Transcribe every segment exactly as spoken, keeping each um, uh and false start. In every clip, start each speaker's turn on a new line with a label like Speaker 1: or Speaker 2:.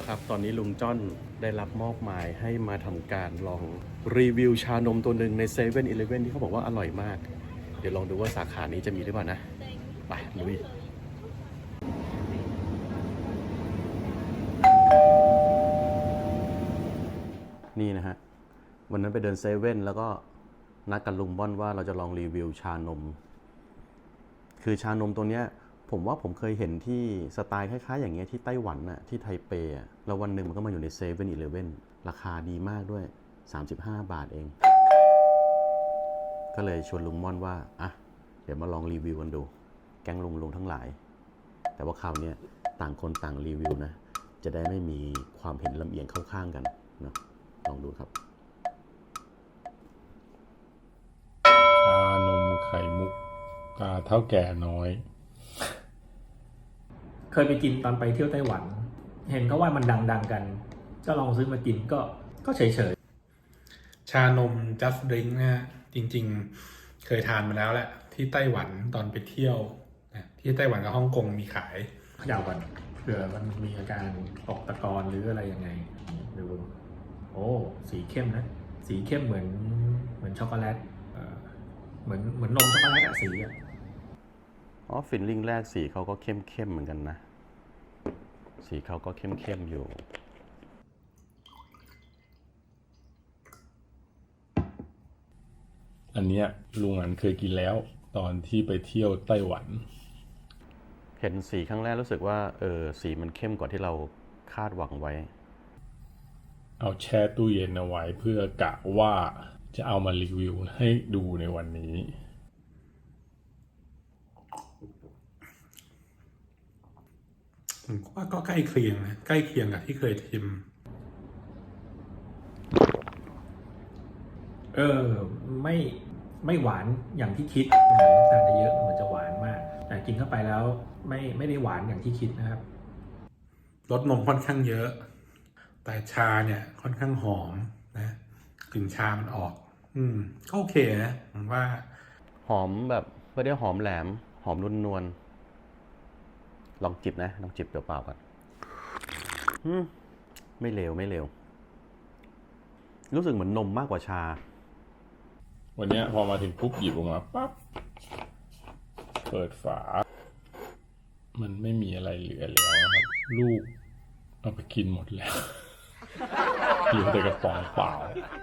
Speaker 1: แล้วครับตอนนี้ลุงจ้อนได้รับมอบหมายให้มาทำการลองรีวิวชานมตัวหนึ่งในเซเว่นอีเลฟเว่นที่เขาบอกว่าอร่อยมากเดี๋ยวลองดูว่าสาขานี้จะมีหรือเปล่านะไปลุยนี่นะฮะวันนั้นไปเดินเซเว่นแล้วก็นัดกับลุงบ้อนว่าเราจะลองรีวิวชานมคือชานมตัวเนี้ยผมว่าผมเคยเห็นที่สไตล์คล้ายๆอย่างเงี้ยที่ไต้หวันน่ะที่ไทเปอ่ะแล้ววันหนึ่งมันก็มาอยู่ในเซเว่นอีเลฟเว่นราคาดีมากด้วยสามสิบห้าบาทเองก็เลยชวนลุงม่อนว่าอ่ะเดี๋ยวมาลองรีวิวกันดูแก๊งลุงลุงทั้งหลายแต่ว่าคราวนี้ต่างคนต่างรีวิวนะจะได้ไม่มีความเห็นลำเอียงเข้าข้างกันนะลองดูครับ
Speaker 2: ชานมไข่มุกตาเท่าแก่น้อย
Speaker 3: เคยไปกินตอนไปเที่ยวไต้หวัน เห็นเขาว่ามันดังๆกันก็ลองซื้อมากินก็ก็เฉยๆ
Speaker 4: ชานม Just Drink นะฮะจริงๆเคยทานมาแล้วแหละที่ไต้หวันตอนไปเที่ยวนะที่ไต้หวันกับฮ่องกงมีขาย
Speaker 3: เขย่าก่อนเผื่อมันมีอาการตกตะกอนหรืออะไรยังไงดูโอ้สีเข้มนะสีเข้มเหมือนเหมือนช็อกโกแลตเอ่อเหมือนเหมือนนมช็อกโกแลตอะสีอะ
Speaker 1: อ๋อฟิลลิ่งแรกสีเขาก็เข้มเข้มเหมือนกันนะสีเขาก็เข้มเข้มอยู่
Speaker 2: อันเนี้ยลุงอันเคยกินแล้วตอนที่ไปเที่ยวไต้หวัน
Speaker 1: เห็นสีครั้งแรกรู้สึกว่าเออสีมันเข้มกว่าที่เราคาดหวังไว้
Speaker 2: เอาแช่ตู้เย็นเอาไว้เพื่อกะว่าจะเอามารีวิวให้ดูในวันนี้
Speaker 4: ผมว่าก็ใกล้เคียงนะใกล้เคียงกับที่เคยชิม
Speaker 3: เออไม่ไม่หวานอย่างที่คิดเหมือนน้ำตาลเยอะมันจะหวานมากแต่กินเข้าไปแล้วไม่ไม่ได้หวานอย่างที่คิดนะครับ
Speaker 4: รสนมค่อนข้างเยอะแต่ชาเนี่ยค่อนข้างหอมนะกลิ่นชามันออกอืมก็โอเคนะผมว่า
Speaker 1: หอมแบบไม่ได้หอมแหลมหอมนุ่นนวลลองจิบนะลองจิบเปล่าๆก่อนอืมไม่เลวไม่เลวรู้สึกเหมือนนมมากกว่าชา
Speaker 2: วันนี้พอมาถึงปุ๊บหยิบออกมาปั๊บเปิดฝามันไม่มีอะไรเหลือแล้วนะครับลูกเอาไปกินหมดแล้วเหลือแต่กระป๋องเปล่า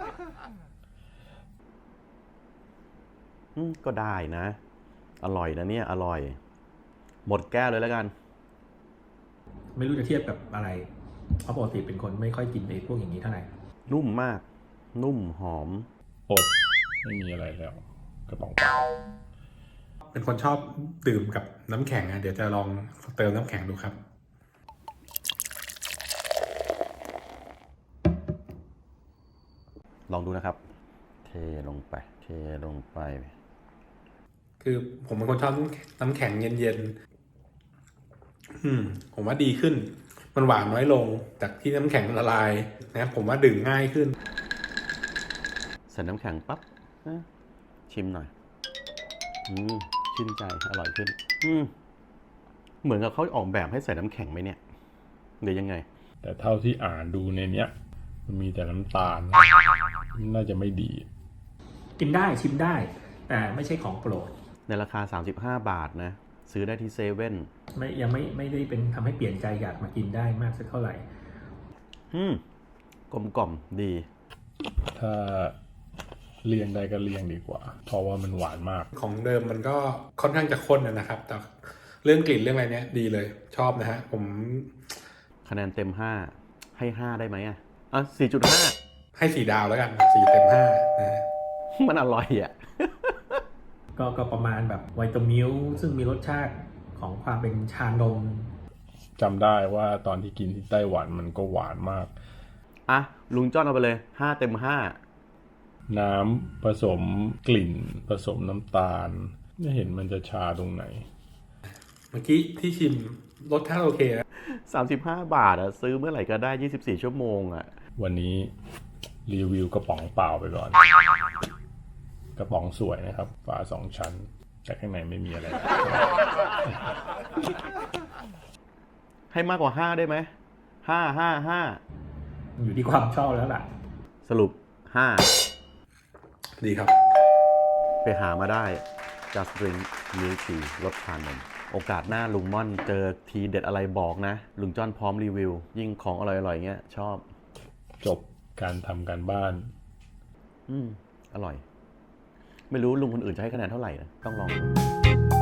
Speaker 1: อืมก็ได้นะอร่อยนะเนี่ยอร่อยหมดแก้วเลยแล้วกัน
Speaker 3: ไม่รู้จะเทียบกับอะไรเพราะปกติเป็นคนไม่ค่อยกินไอ้พวกอย่างนี้เท่าไหร่
Speaker 1: นุ่มมากนุ่มหอม
Speaker 2: อดไม่มีอะไรแล้วกระป๋องเปล่า
Speaker 4: เป็นคนชอบดื่มกับน้ำแข็งนะเดี๋ยวจะลองเติมน้ำแข็งดูครับ
Speaker 1: ลองดูนะครับเทลงไปเทลงไป
Speaker 4: คือผมเป็นคนชอบน้ำแข็งเย็นๆอืมผมว่าดีขึ้นมันหวานน้อยลงจากที่น้ำแข็งละลายนะผมว่าดื่มง่ายขึ้น
Speaker 1: ใส่น้ำแข็งปั๊บชิมหน่อยอืมชื่นใจอร่อยขึ้นอืมเหมือนกับเขาออกแบบให้ใส่น้ำแข็งไหมเนี่ยหรือยังไง
Speaker 2: แต่เท่าที่อ่านดูในเนี้ยมันมีแต่น้ำตาลน่าจะไม่ดี
Speaker 3: กินได้ชิมได้แต่ไม่ใช่ของโปรด
Speaker 1: ในราคาสามสิบห้าบาทนะซื้อได้ที่เซเว่น
Speaker 3: ไม่ยังไม่ไม่ได้เป็นทำให้เปลี่ยนใจอยากมากินได้มากสักเท่าไหร่
Speaker 1: อืมกลมกล่อมดี
Speaker 2: ถ้าเลี่ยงได้ก็เลี่ยงดีกว่าเพราะว่ามันหวานมาก
Speaker 4: ของเดิมมันก็ค่อนข้างจะข้นนะครับแต่เรื่องกลิ่นเรื่องอะไรเนี้ยดีเลยชอบนะฮะผม
Speaker 1: คะแนนเต็มห้าให้ห้าได้ไหมอ่ะอ่ะสี่จุดห้า
Speaker 4: ให้สี่ดาวแล้วกันสี่เต็มห้านะ
Speaker 1: มันอร่อยอ่ะ
Speaker 3: ก็ก็ประมาณแบบไวตามิลซึ่งมีรสชาติของความเป็นชานม
Speaker 2: จำได้ว่าตอนที่กินที่ไต้หวันมันก็หวานมาก
Speaker 1: อ่ะลุงจ้อนเอาไปเลยห้าเต็มห้า
Speaker 2: น้ำผสมกลิ่นผสมน้ำตาลไม่เห็นมันจะชาตรงไหน
Speaker 4: เมื่อกี้ที่ชิมรสชาติโอเคนะ
Speaker 1: สามสิบห้าบาทอ่ะซื้อเมื่อไหร่ก็ได้ยี่สิบสี่ชั่วโมงอ่ะ
Speaker 2: วันนี้รีวิวกระป๋องเปล่าไปก่อนกระป๋องสวยนะครับฝาสองชั้นแต่ข้างในไม่มีอะไร
Speaker 1: ให้มากกว่าห้าได้ไหมห้าห้าห้า
Speaker 3: อยู่ที่ความชอบแล้วล่ะ
Speaker 1: สรุปห้า
Speaker 4: ดีครับ
Speaker 1: ไปหามาได้ Just Drink Milk Tea รสชานม โอกาสหน้าลุงม่อนเจอทีเด็ดอะไรบอกนะ ลุงจ้อนพร้อมรีวิว ยิ่งของอร่อยๆเงี้ย ชอบ
Speaker 2: จบการทำการบ้าน
Speaker 1: อืม อร่อย ไม่รู้ลุงคนอื่นจะให้คะแนนเท่าไหร่นะ ต้องลองดู